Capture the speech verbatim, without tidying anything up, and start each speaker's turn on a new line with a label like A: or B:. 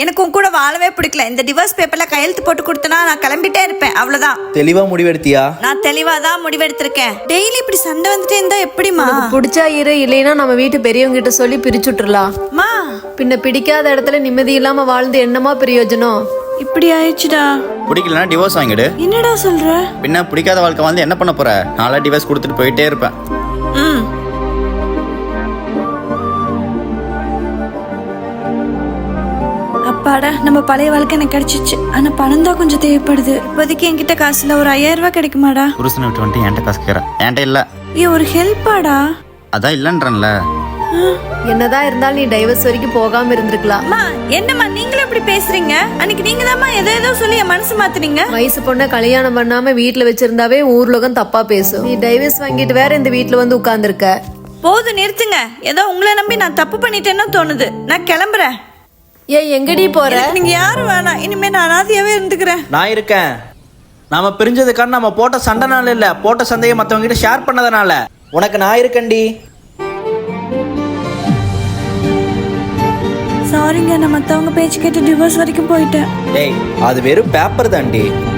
A: எனக்கு உன் கூட வாழவே பிடிக்கல. இந்த டிவோர்ஸ் பேப்பர்ல கையெழுத்து போட்டு கொடுத்தனா நான் கிளம்பிட்டே இருப்பேன். அவ்வளவுதான்.
B: தெளிவா முடிவெடுத்தியா?
A: நான் தெளிவா தான் முடிவெடுத்திருக்கேன். டெய்லி இப்படி சண்டை வந்துட்டே இருந்தா எப்படிமா?
C: பிடிச்சா இரு, இல்லைன்னா நம்ம வீட்டு பெரியவங்க கிட்ட சொல்லி பிரிச்சுட்டுலாம்.
A: மா
C: பின்ன பிடிக்காத இடத்துல நிம்மதி இல்லாம வாழ்ந்து என்னமா பிரயோஜனம்?
A: இப்படி ஆயிடுச்சுடா.
D: பிடிக்கலன்னா டிவோர்ஸ் வாங்கிடு.
A: என்னடா சொல்ற?
D: பின்ன பிடிக்காத வாழ்க்கை வந்து என்ன பண்ண போற? நாளா டிவோர்ஸ் கொடுத்துட்டு போயிட்டே இருப்பேன்.
A: ம் அப்பாடா, நம்ம பழைய வாழ்க்கை எனக்கு கிடைச்சிச்சு. ஆனா பணம் தான் கொஞ்சம் தேவைப்படுது. இப்போதைக்கு என்கிட்ட காசுல ஒரு ஐயாயிரம் ரூபாய் கிடைக்குமாடா?
D: புருஷனை விட்டு வந்துட்டு என்கிட்ட காசு கேட்கறேன். என்கிட்ட இல்ல.
A: ஏ ஒரு ஹெல்ப்பாடா.
D: அதான் இல்லன்றேன்ல.
C: என்னதான் இருந்தாலும் நீ டைவர்ஸ் வரைக்கும் போகாம இருந்திருக்கலாம்.
A: அம்மா என்னம்மா நீங்களும் இப்படி பேசுறீங்க? அன்னைக்கு நீங்க தான்மா ஏதோ ஏதோ சொல்லி என் மனசு மாத்துறீங்க.
C: வயசு பொண்ண கல்யாணம் பண்ணாம வீட்டுல வச்சிருந்தாவே ஊர்லகம் தப்பா பேசும். நீ டைவர்ஸ் வாங்கிட்டு வேற இந்த வீட்டுல வந்து உட்கார்ந்துருக்க.
A: போதும் நிறுத்துங்க. ஏதோ உங்களை நம்பி நான் தப்பு பண்ணிட்டேன்னு தோணுது. நான் கிளம்புறேன்.
C: ஏன் எங்கடி போற?
A: நீங்க யாரும் வேணாம். இனிமே நான் அனாதையாவே இருந்துக்கிறேன்.
B: நான் இருக்கேன். நாம பிரிஞ்சதுக்கான நம்ம போட்ட சண்டைனால இல்ல, போட்ட சண்டையை மத்தவங்க கிட்ட ஷேர் பண்ணதுனால. உனக்கு நான் இருக்கேன்டி.
A: சாரிங்க, நான் மத்தவங்க பேச்சு கேட்டு டிவோர்ஸ் வரைக்கும் போயிட்டேன்.
B: டேய், அது வெறும் பேப்பர் தான்டி.